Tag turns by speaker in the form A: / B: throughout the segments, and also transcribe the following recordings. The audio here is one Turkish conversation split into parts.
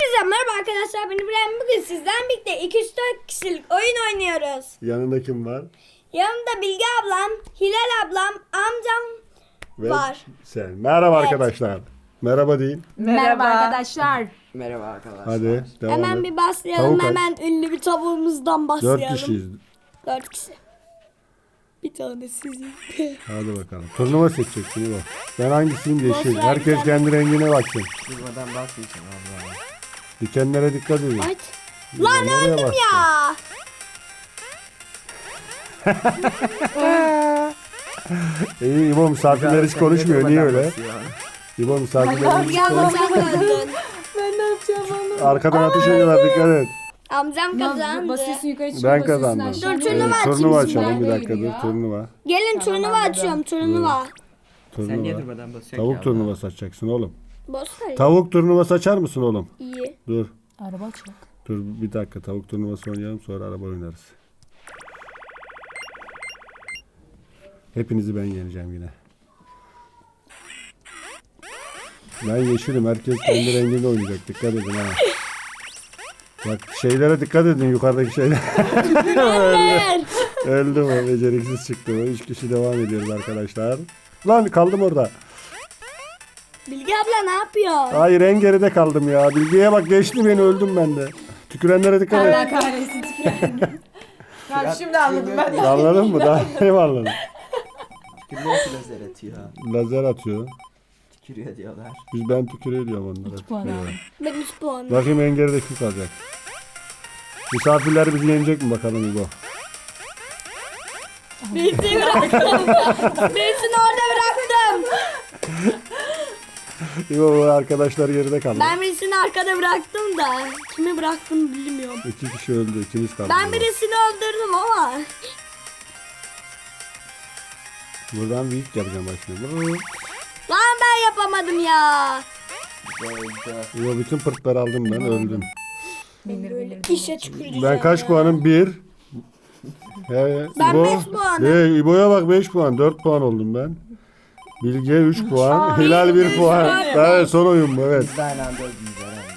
A: Hepinize merhaba arkadaşlar, ben İbrahim. Bugün sizden birlikte 204 kişilik oyun oynuyoruz.
B: Yanında kim var?
A: Yanımda Bilge ablam, Hilal ablam, amcam
B: Ve
A: var.
B: sen. Merhaba
A: Evet.
B: arkadaşlar. Merhaba deyin.
C: Merhaba arkadaşlar.
D: Merhaba arkadaşlar.
B: Hadi devam
A: Hemen
B: et.
A: bir başlayalım.
B: Tavuk aç.
A: Hemen ünlü bir tavuğumuzdan
B: 4
A: başlayalım.
B: kişiyiz.
A: 4 kişi. Bir tane sizin.
B: Hadi bakalım. Turnuva seçeceksin bu. Ben hangisiyim? Yeşil.
A: Boş ver,
B: Herkes
A: güzel.
B: kendi rengine baksın.
D: Durmadan basmayacağım Allah.
B: Dikenlere dikkat edin.
A: Aç. Lan
B: Nereye
A: öldüm
B: baktın?
A: ya.
B: İyi İbo misafirler hiç konuşmuyor. Niye öyle? İbo misafirler hiç
A: Bilge abla sen öldün.
C: Ben ne yapacağım onu?
B: arkadan ateş ediyorlar. Dikkat et.
A: Amcam kazandı.
C: Basıyorsun yukarı çıkıyor.
B: Ben kazandım.
A: Dur, turnuva açayım
B: Turnuva
A: şimdi.
B: açalım bir dakika dur. Turnuva.
A: Gelin turnuva açıyorum, turnuva.
D: Sen niye
B: Turnuva.
D: durmadan basıyorsun
B: Tavuk
D: ki
B: turnuvası açacaksın oğlum.
A: Boş ver.
B: Tavuk turnuvası açar mısın oğlum?
A: İyi.
B: Dur.
C: Araba çok.
B: Dur bir dakika tavuk turnuvası oynayalım sonra araba oynarız. Hepinizi ben yeneceğim yine. Ben yeşilim. Herkes kendi renginde oynayacak. Dikkat edin ha. Bak şeylere dikkat edin yukarıdaki şeyler.
A: Ver.
B: Öldü mü? Beceriksiz çıktı mı? 3 kişi devam ediyoruz arkadaşlar. Lan kaldım orada.
A: Bilge abla ne yapıyor?
B: Hayır en geride kaldım ya. Bilgiye bak geçti beni öldüm ben de. Tükürenlere dikkat
C: Allah
B: et.
C: kahretsin tüküren. Ben şimdi anladım ben de.
B: Anladın mı? Daha ne anladın?
D: Tükürüyor ki lazer atıyor.
B: Lazer atıyor.
D: Tükürüyor diyorlar.
B: Ben tükürüyor diyorum onlara.
C: 2 puan aldım.
A: Ben 3 puan.
B: Bakayım en geride kim kalacak? Misafirler bizi yenecek mi bakalım İbo?
A: Birisini bıraktım. Birisini orada bıraktım.
B: İbo bu arkadaşlar geride kaldı.
A: Ben birisini arkada bıraktım da kimi bıraktım bilmiyorum.
B: 2 kişi öldü. İkimiz kaldı.
A: Ben birisini öldürdüm ama.
B: Buradan büyük yapacağım bak şimdi.
A: Lan ben yapamadım ya.
D: Böyle.
B: İbo bütün pırtları aldım ben öldüm.
C: Bilir.
A: İşe tüküreceğim.
B: Ben kaç puanım? 1. He,
A: Ben
B: İbo.
A: 5 puanım.
B: He, İbo'ya bak 5 puan. 4 puan oldum ben. Bilge 3 puan. Hilal 1 puan. Evet son oyun bu evet.
D: Biz de aynı anda öldünüz herhalde.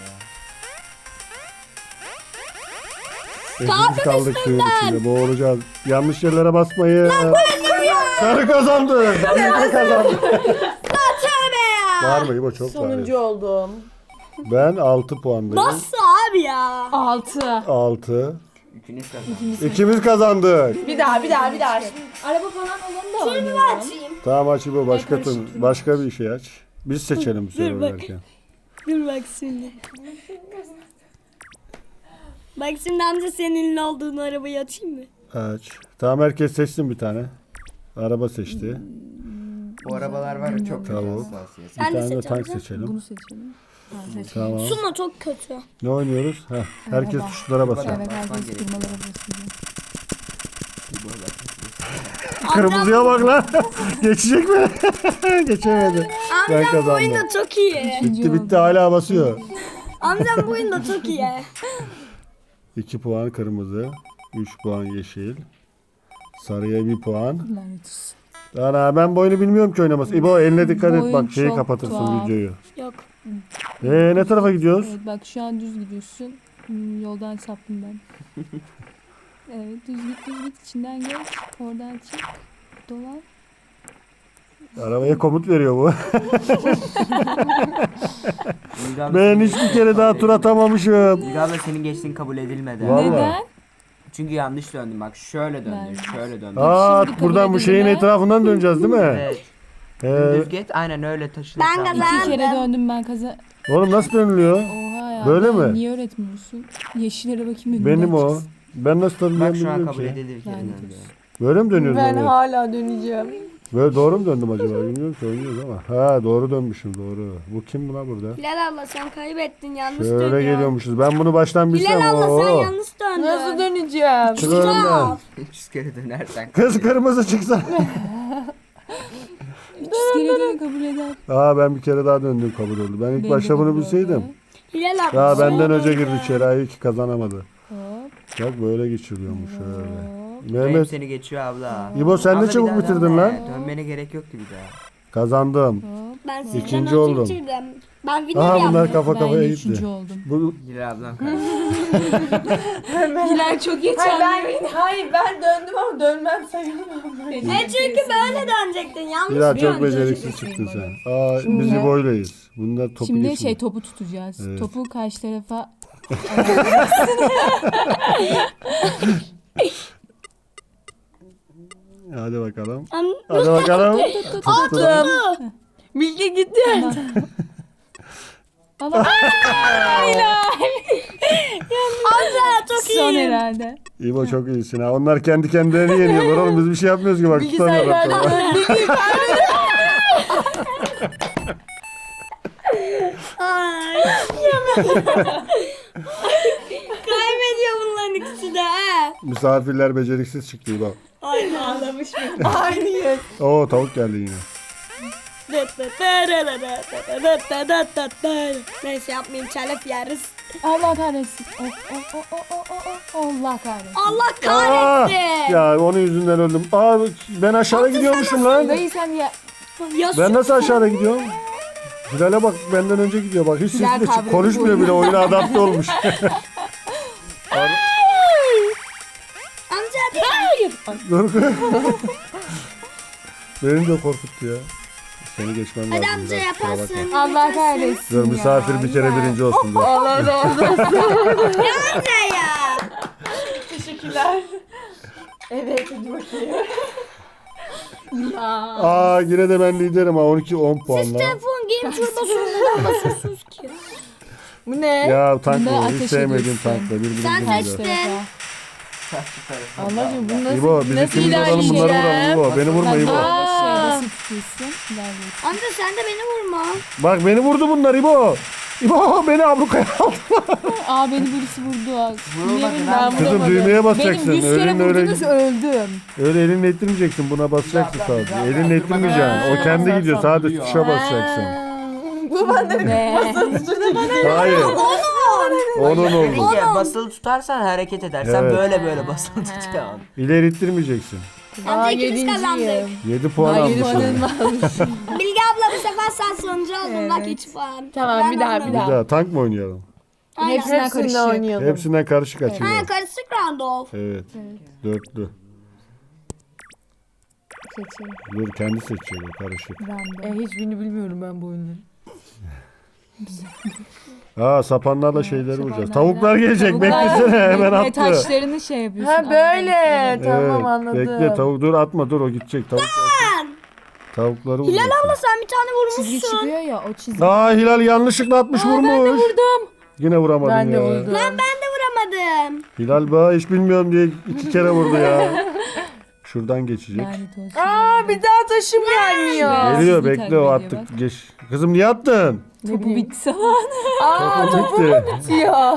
B: Hepimiz kaldık suyun içinde. Boğulacağız. Yanlış yerlere basmayın. Sarı kazandı. Sarı kazandı.
A: Tövbe ya.
B: Var mı İbo çok var.
C: Sonuncu oldum.
B: Ben 6 puandayım.
A: Nasıl abi ya?
C: 6.
B: 6.
D: İkiniz kazandınız.
B: İkimiz kazandık.
C: Bir daha. Şimdi araba falan olan da
A: Turnuva açayım.
B: Tamam aç İbo başka bir şey aç. Biz seçelim bu sefer
A: bak.
B: oynarken.
A: Dur bak şimdi. Bak şimdi amca senin ünlü olduğun arabayı açayım mı?
B: Aç. Tamam herkes seçsin bir tane. Araba seçti.
D: Bu arabalar var ya çok kötü
B: Tamam.
D: hassasiyet.
B: Bir
A: Ben de
B: tane de tank
A: seçeceğim.
B: seçelim.
C: Bunu seçelim.
B: Tamam.
A: Suna çok kötü.
B: Ne oynuyoruz? Heh, herkes tuşlara basıyor.
C: Evet
D: Basman
C: herkes
D: gerekiyor.
C: kırmalara basıyor.
D: Bu arada.
B: Kırmızıya bak lan. Geçecek mi? Geçemedi. Ben
A: Amcam bu
B: kazandım.
A: oyunda çok iyi.
B: Bitti hala basıyor.
A: Amcam bu oyunda çok iyi.
B: 2 puan kırmızı. 3 puan yeşil. Sarıya 1 puan.
C: Lanet olsun.
B: Ana ben bu oyunu bilmiyorum ki oynaması. İbo eline dikkat et
C: Bu
B: bak
C: oyun
B: şeyi
C: çok
B: kapatırsın
C: tuhaf.
B: videoyu.
A: Yok.
B: Ne tarafa gidiyoruz?
C: Evet bak şu an düz gidiyorsun. Yoldan saptım ben. Evet düz git içinden geç. Oradan çık. Dolan.
B: Arabaya komut veriyor bu.
D: Bilge abla
B: Ben
D: senin-
B: hiçbir kere daha tur atamamışım.
D: Bilge abla senin geçtiğin kabul edilmedi.
B: Vallahi.
C: Neden?
D: Çünkü yanlış döndün bak şöyle döndün
C: Ben-
D: şöyle döndün.
B: Aa
C: Şimdi kabul
B: buradan bu şeyin
C: edildi.
B: etrafından döneceğiz değil mi?
D: Evet.
B: He.
D: Düz git aynen öyle taşın.
A: Ben
D: etrafına.
A: kazandım.
C: 2 kere döndüm ben kaza.
B: Oğlum nasıl dönülüyor?
C: Oha ya.
B: Böyle
C: ben
B: mi?
C: Niye öğretmiyorsun? Yeşillere bakayım. önünden
B: Benim o.
C: çıksın.
B: Ben nasıl
D: Bak
B: dönüyorum
D: şu an
B: bilmiyorum
D: kabul
B: ki.
D: edildi bir kere
C: Lanet
D: döndü.
C: olsun.
B: Böyle mi dönüyoruz?
C: Ben
B: oraya?
C: hala döneceğim.
B: Böyle doğru mu döndüm acaba? Bilmiyorum ki oynuyoruz ama. Ha doğru dönmüşüm doğru. Bu kim buna burada?
A: Hilal abla sen kaybettin, yanlış
B: Şöyle
A: dönüyorsun.
B: geliyormuşuz. Ben bunu baştan bilsem.
A: Hilal abla sen
B: Oo.
A: yanlış döndün.
C: Nasıl döneceğim?
B: Çık önümden.
D: 300 kere dönersen.
B: Kız kırmızı çıksa.
C: 300 kere dönü kabul eder.
B: Aa ben bir kere daha döndüm kabul oldu. Ben ilk
C: Benim
B: başta
C: de
B: bunu
C: kabul
B: bilseydim.
C: oldu.
A: Hilal abla.
B: Ya benden
A: şöyle
B: önce
A: dön.
B: girdi içeri. Ay ki kazanamadı.
C: Hop
B: Bak böyle geçiriyormuş öyle.
C: hop.
D: Mehmet
B: Mehmet
D: seni geçiyor abla.
B: İbo sen
D: Abla
B: de
D: bir
B: çabuk
D: daha
B: bitirdin
D: dönme.
B: lan.
D: Dönmene gerek yoktu bir daha.
B: Kazandım.
C: Hop.
A: Ben sizden
B: İkinci
A: önce
B: oldum.
A: bitirdim. Ben winner
B: Aha bunlar
A: yaptım.
B: kafa
C: Ben
B: kafaya
C: de
B: gitti.
C: üçüncü oldum.
B: Bu
D: Hilal ablam kaybetti.
C: Hilal çok geç
E: Hayır ben döndüm ama dönmem sayılmam.
A: Çünkü böyle dönecektin. Yanlış
B: Hilal
A: bir
B: çok
A: yöntem.
B: beceriksiz çıktın sen. Aa biz İbo'yleyiz. Bunlar topu
C: Şimdi
B: geçsin.
C: topu tutacağız.
B: Evet.
C: Topu karşı tarafa
B: Hadi bakalım.
A: An-
B: Hadi bakalım.
E: Attım. Bilge gitti.
C: Allah.
A: Amca çok
C: Son
A: iyi.
C: herhalde.
B: İbo çok iyisin ha. Onlar kendi kendilerini yeniyorlar oğlum. Biz bir şey yapmıyoruz ki bak. Tutamıyorlar.
A: Ay. Kaybediyor bunların ikisi de. He.
B: Misafirler beceriksiz çıktı İbo.
A: Ay ağlamış mı?
E: Aynı yer.
B: Oo tavuk geldi yine.
A: Neyse yapmayayım telef yeriz.
C: Allah kahretsin. Allah kahretsin.
A: Allah
B: Aa,
A: kahretsin.
B: ya onun yüzünden öldüm. Aa ben aşağıda gidiyormuşum lan.
C: Dayı sen ya.
B: Ben nasıl aşağıda gidiyorum? Hilal'e bak benden önce gidiyor bak. Hiç
C: Hilal
B: sesle
C: kavramı
B: konuşmuyor bile oyuna adapte olmuş.
A: Amca hayır.
B: Dur. Beni de korkuttu ya. Seni geçmem lazım.
A: Hadi amca
B: biraz, kusura bakma.
A: yaparsın.
C: Allah kahretsin.
B: Dur misafir bir kere birinci olsun. Dur.
E: Allah razı olsun.
A: Amca ya.
E: Teşekkürler. Evet hadi bakayım.
B: Aa yine de ben liderim ha 12-10 puanla.
A: Telefon game turbosunu neden basıyorsunuz ki?
E: Bu ne?
B: Ya tank
C: Bunda
B: mı? Hiç
C: ateş
B: sevmediğim
C: ediyorsun.
B: tankla birbirimizi
A: Sen
B: yiyorlar.
A: seçtin.
E: Allah'cığım bu nasıl,
B: İbo biz
E: nasıl
B: ikimiz olalım bunları
E: ilerleyeceğim?
B: vuralım İbo. Beni vurma İbo.
C: Şeyde tutuyorsun. İlerliyorsun.
A: Amca sen de beni vurma.
B: Bak beni vurdu bunlar İbo. İbo beni ablukaya aldı.
C: Aa beni birisi vurdu.
D: Vurulmadı
C: Niye
D: lan.
C: ben
B: Kızım
C: vuramadım?
B: düğmeye basacaksın.
C: Benim 100 kere
B: Elinle öyle,
C: vurdunuz öldüm.
B: öyle elinle ittirmeyeceksin. Buna basacaksın sadece. Elinle ittirmeyeceksin. O kendi gidiyor. Sadece tuşa basacaksın.
E: Bu bende
C: Ne?
B: Hayır. Onun oldu.
D: Bilge basılı tutarsan hareket eder. Sen
B: Evet.
D: böyle basılı tutacaksın.
B: İleri ittirmeyeceksin.
A: Amca ikimiz kazandık.
B: 7 puan almışsın.
A: Bilge abla bu sefer sen sonuncu oldun. Bak 3 puan.
E: Tamam,
A: Ben
E: bir daha,
A: onunla-
E: bir
B: Bir
E: daha.
B: daha tank mı oynayalım?
A: Aynen.
C: Hepsinden
E: Hepsinde
C: karışık.
E: oynayalım.
B: Hepsinden karışık açıyor.
A: Ha karışık round off.
B: Evet. Dörtlü.
C: Seçeyim.
B: Dur kendi seçiyor bu karışık.
C: Random.
E: Hiçbirini bilmiyorum ben bu oyunları.
B: Aa sapanlarla şeyleri vuracağız.
C: Sapanlarla-
B: Tavuklar gelecek.
C: Tavuklar-
B: Beklesene hemen
C: Ve
B: attı.
C: taşlarını şey yapıyorsun.
E: Ha böyle. Tamam
B: Evet,
E: anladım.
B: bekle tavuk dur atma dur o gidecek tavuk. Tavukları
A: Hilal
B: vuracaksın.
A: abla sen bir tane
C: Çizgi
A: vurmuşsun.
C: çıkıyor ya o çizgi.
B: Aa Hilal yanlışlıkla atmış vurmuş.
C: Ben de vurdum.
B: Yine vuramadın
E: Ben de
B: ya.
E: vurdum.
A: Ben de vuramadım.
B: Hilal bana hiç bilmiyorum diye 2 kere vurdu ya. Şuradan geçecek.
C: Lanet olsun.
E: Aa bir daha taşım gelmiyor.
C: Ya.
B: Geliyor
C: Sizi
B: bekle o
C: takip ediyor
B: attık. Geç. Kızım niye attın?
C: Topu bitti zaman.
E: Aa
B: Topu
E: topu
B: bitti.
E: bitiyor.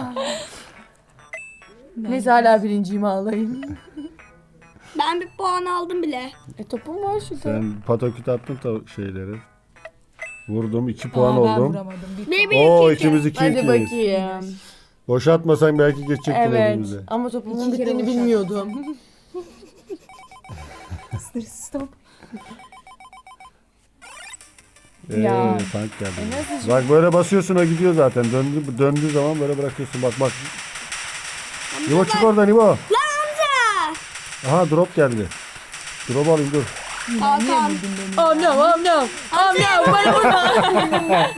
E: Neyse hala birinciyim ağlayın.
A: Ben bir puan aldım bile.
E: Topum var şurada.
B: Sen pataküt attın şeyleri. Vurdum 2 puan
C: Ben
B: oldum.
C: vuramadım.
A: Bir
B: Oo
A: iki.
B: ikimiz 2
E: Hadi
B: 2'yiz.
E: bakayım.
B: Boşaltmasan belki geçecektin
E: Evet
B: elimize.
E: ama topumun
C: İki kere
E: bittiğini
C: boşalt.
E: bilmiyordum.
C: Stop.
E: Ya.
B: Tank geldi.
E: nasıl-
B: Bak böyle basıyorsun o gidiyor zaten. Döndüğü zaman böyle bırakıyorsun. Bak bak. İbo çık oradan İbo.
A: Lan amca.
B: Aha drop geldi. Drop alayım dur.
A: Hakan.
E: Oh no oh no. Oh no bana vurma.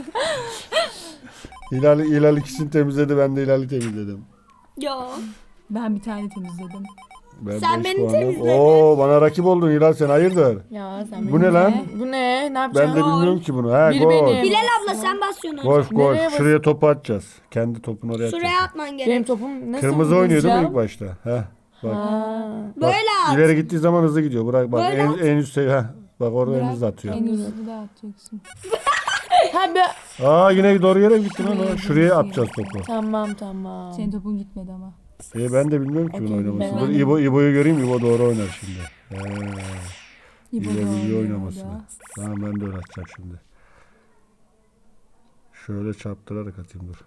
B: Hilal ikisini temizledi. Ben de Hilal'i temizledim.
A: Yo.
C: Ben bir tane temizledim.
B: Ben
A: Sen
B: 5
A: beni
B: puanım.
A: temizledin.
B: Oo bana rakip oldun Hilal sen hayırdır?
E: Ya sen
B: Bu ne lan?
E: Bu ne? Ne
B: Ben
E: yapacağım?
B: de bilmiyorum ki bunu. Ha
E: Biri
B: gol.
E: benim.
A: Hilal abla sen basıyorsun.
B: Golf gol.
E: Nereye bas-
B: Şuraya topu atacağız. Kendi topunu oraya
A: Şuraya
B: atacağız.
A: atman
E: Benim
A: gerek.
E: topum nasıl
B: Kırmızı oynuyor değil mi
E: vuracağım?
B: ilk başta? Heh. Bak.
E: Ha.
B: Bak,
A: Böyle at.
B: İleri gittiği zaman hızlı gidiyor. Bırak bak
A: Böyle
B: en üst seviye. Heh. Bak orada en hızlı atıyor.
C: En hızlı da atacaksın.
E: Ha be.
B: Aa yine doğru yere gitti lan. o. Şuraya atacağız topu.
E: Tamam.
C: Senin topun gitmedi ama.
B: Ben de bilmiyorum ki bunu
E: Okey,
B: oynamasını.
E: ben
B: Dur İbo'yu göreyim. İbo doğru oynar şimdi. İbo
C: da
B: biliyor
C: oynuyor
B: oynamasını.
C: da.
B: Tamam ben de öyle atacağım şimdi. Şöyle çarptırarak atayım dur.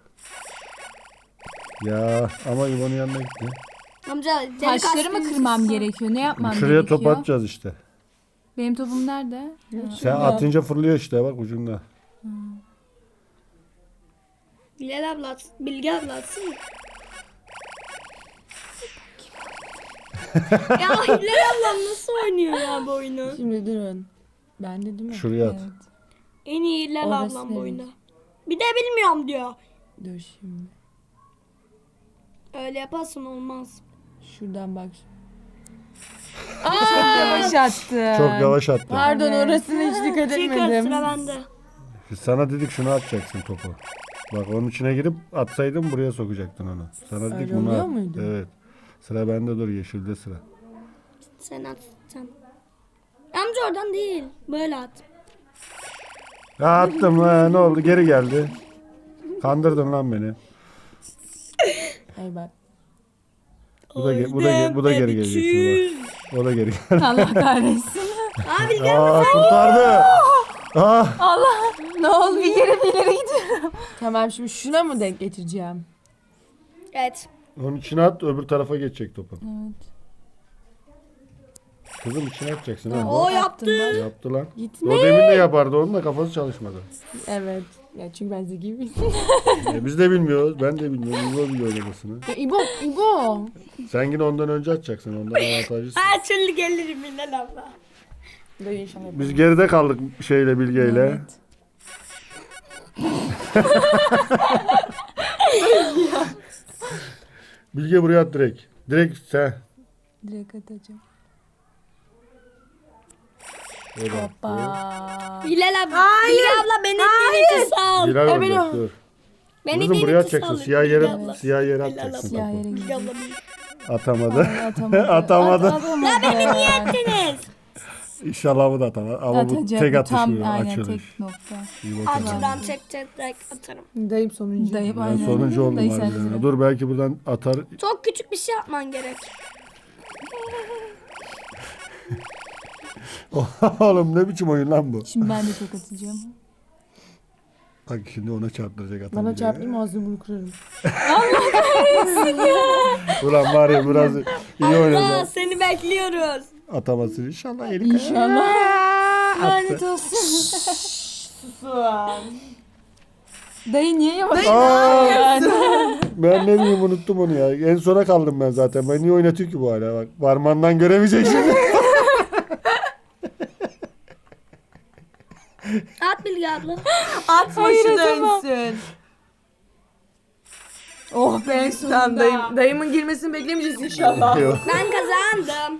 B: Ya ama İbo'nun yanına gitti.
A: Amca deli
C: Taşları mı
A: kastın
C: kırmam
A: sesi.
C: gerekiyor? Ne yapmam
B: Şuraya
C: gerekiyor?
B: top atacağız işte.
C: Benim topum nerede?
B: Sen atınca fırlıyor işte bak ucunda.
A: Bilal abla atsın. Bilge abla atsın mı? Ya Hilal ablam nasıl oynuyor ya bu oyunu?
E: Şimdi durun. Bende değil mi?
B: Şuraya at.
C: Evet.
A: En iyi Hilal
E: Orası
A: ablam bu
E: evet.
A: oyunda. Bir de bilmiyorum diyor.
E: Dur şimdi.
A: Öyle yaparsan olmaz.
E: Şuradan bak.
C: Yavaş attı.
B: Çok yavaş attı.
E: Pardon
C: Evet.
E: orasına hiç dikkat
A: Çıkar
E: etmedim.
A: sıra bende.
B: Biz sana dedik şunu atacaksın topu. Bak onun içine girip atsaydın buraya sokacaktın onu. Sana dedik
E: Öyle
B: bunu
E: oluyor
B: at.
E: muydu?
B: Evet. Sıra bende, dur, yeşilde sıra.
A: Sen at sen. Amca oradan değil. Böyle at.
B: Ya attım ha, ne oldu, geri geldi. Kandırdın lan beni.
E: Ay bak.
B: Bu da geri gelecek şimdi bak. O da geri geldi.
C: Allah kahretsin.
A: Aa Bilge
B: Aa, kurtardı. Aa,
C: Ne oldu? Bir yere gidiyorum.
E: Tamam şimdi şuna mı denk getireceğim?
A: Evet.
B: onun içine at, öbür tarafa geçecek topu.
C: Evet.
B: Kızım içine atacaksın ha.
A: O yaptı.
B: Yaptı lan.
E: Gitme.
B: O demin de yapardı, onun da kafası çalışmadı.
E: Evet. Ya çünkü ben zeki miyim?
B: Biz de bilmiyoruz, ben de bilmiyorum. İbo biliyor oynamasını.
E: Ya İbo.
B: Sen yine ondan önce atacaksın, ondan avantajlısın.
A: Her türlü gelirim Hilal abla.
E: Dayı inşallah.
B: Biz geride kaldık şeyle, Bilge'yle.
C: Evet.
B: Bilge buraya at direkt. Direkt sen.
C: Direkt atacağım.
B: O da attı.
C: Hoppa.
A: Hilal abla. Bilge abla beni direkt sal.
B: Bilal
E: Evet,
B: olacak,
E: o.
B: dur.
A: Beni
B: Kızım buraya
A: direkt
B: atacaksın.
A: sal.
B: Siyah
A: Bilge
B: yere,
A: abla.
B: siyah yere
A: Bilal
B: atacaksın
C: Siyah
B: topu.
C: yere
A: Bilge
C: gidiyor.
A: abla bir-
B: Atamadı.
C: Atamadı.
B: Atamadı.
C: Atamadı.
A: Ya beni niye ettiniz?
B: İnşallah bu da atamaz. Ama bu
C: Atacak.
B: tek
C: Bu
B: atışı,
C: tam aynen
B: açılış.
C: tek nokta.
B: İyi bakalım.
A: Açıdan tek atarım.
E: Dayım sonuncu.
C: Dayı
B: Ben
C: aynen.
B: sonuncu oldum
C: Dayı sen de
B: harbiden.
C: sıra.
B: Dur belki buradan atar.
A: Çok küçük bir şey yapman gerek.
B: Oğlum ne biçim oyun lan bu?
C: Şimdi ben de çok atacağım.
B: Bak şimdi ona çarptıracak
E: Bana
B: atamayacak.
E: çarpayım ağzını bunu kırarım.
B: Ulan var ya biraz iyi
A: Allah
B: oynayacak.
A: seni bekliyoruz.
B: Atamasın inşallah. Eli
E: İnşallah.
C: Lanet olsun. Dayı niye yavaş?
B: Aa! Ben ne bileyim, unuttum onu ya. En sona kaldım ben zaten. Ben niye oynatıyor ki bu hala? Bak parmağından göremeyecek şimdi.
A: At Bilge abla.
E: Atma
C: Hayır,
E: şu
C: atamam.
E: dönsün. Oh be tamam dayımın girmesini beklemeyeceğiz inşallah.
B: Yok.
A: Ben kazandım.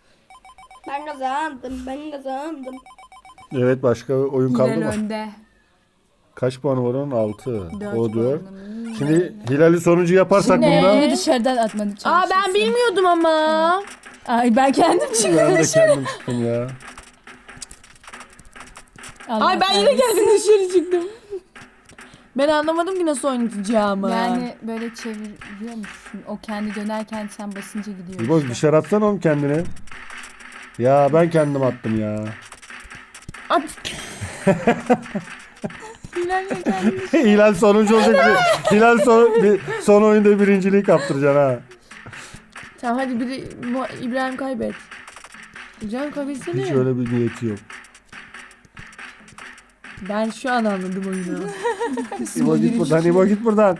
A: Ben kazandım.
B: Evet, başka oyun kaldı
C: Hilal
B: mı?
C: önde.
B: Kaç puanı var onun? 6.
C: Dört
B: O 4.
C: puanım.
B: Şimdi Hilal'i sonuncu yaparsak
E: Ne?
B: bunda.
C: Yine dışarıdan atmadı çalışırsın.
E: Aa ben bilmiyordum ama.
C: Ay ben kendim çıktım.
B: Ben de kendim çıktım ya.
C: Allah
E: Ay ben yine
C: kahretsin.
E: geldim dışarı çıktım. Ben anlamadım ki nasıl oynatacağımı.
C: Yani böyle çeviriyor musun? O kendi dönerken sen basınca gidiyor.
B: İbo dışarı atsana oğlum kendini. Ya ben kendim attım ya.
E: At.
C: Hilal ya kendi.
B: Hilal sonuncu olacak. Hilal son oyunda birinciliği kaptıracaksın ha.
E: Tamam hadi İbrahim kaybet. İbrahim kaybetsene.
B: Hiç öyle bir niyeti yok.
E: Ben şu an anladım oyunu.
B: İbo git buradan, İbo git buradan.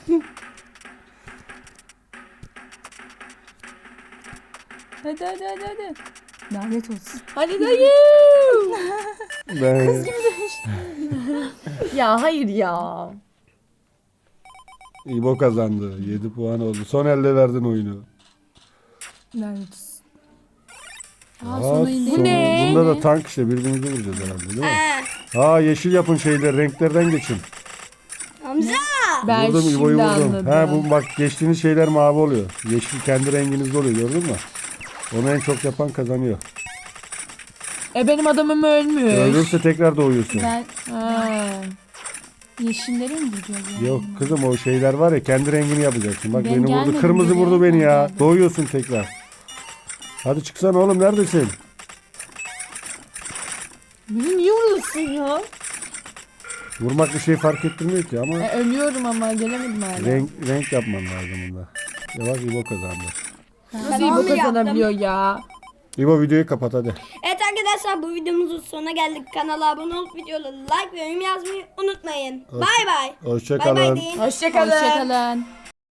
C: Hadi. Lanet olsun.
E: Hadi dayı.
B: Ben...
E: Ya hayır ya.
B: İbo kazandı. 7 puan oldu. Son elde verdin oyunu.
C: Lanet olsun.
B: Aa,
C: Son oyun değil
B: son-
E: ne?
B: Bunda da tank işte, birbirimizi vuracağız herhalde değil mi?
A: He.
B: Yeşil yapın şeyleri, renklerden geçin.
A: Hamza.
E: Ben
B: Vurdum,
E: şimdi
B: İbo'yu vurdum.
E: anladım.
B: Ha bu bak, geçtiğiniz şeyler mavi oluyor. Yeşil kendi renginizde oluyor, gördün mü? Onu en çok yapan kazanıyor.
E: Benim adamım ölmüş.
B: Ölürse tekrar doğuyorsun.
C: Ben
E: Ha.
C: yeşilleri mi vuracağız yani?
B: Yok kızım, o şeyler var ya, kendi rengini yapacaksın. Bak
C: Ben
B: beni vurdu.
C: gelmedim
B: Kırmızı
C: buraya,
B: vurdu beni
C: ben
B: ya.
C: geldim.
B: Doğuyorsun tekrar. Hadi çıksana oğlum, neredesin?
E: Beni niye vuruyorsun ya?
B: Vurmak bir şey fark ettirmiyor ki ama
E: Ölüyorum ama gelemedim hala.
B: renk yapman lazım bunda. Ya bak İbo kazandı.
E: Nasıl
A: Ben
E: iyi bu
A: onu yaptım.
E: kazanabiliyor ya?
B: İbo videoyu kapat hadi.
A: Evet arkadaşlar Arkadaşlar bu videomuzun sonuna geldik. Kanala abone olup videoları like ve yorum yazmayı unutmayın. Bay bay. Bay bay
B: Hoşçakalın.
A: deyin.
E: Hoşçakalın.
C: Hoşçakalın.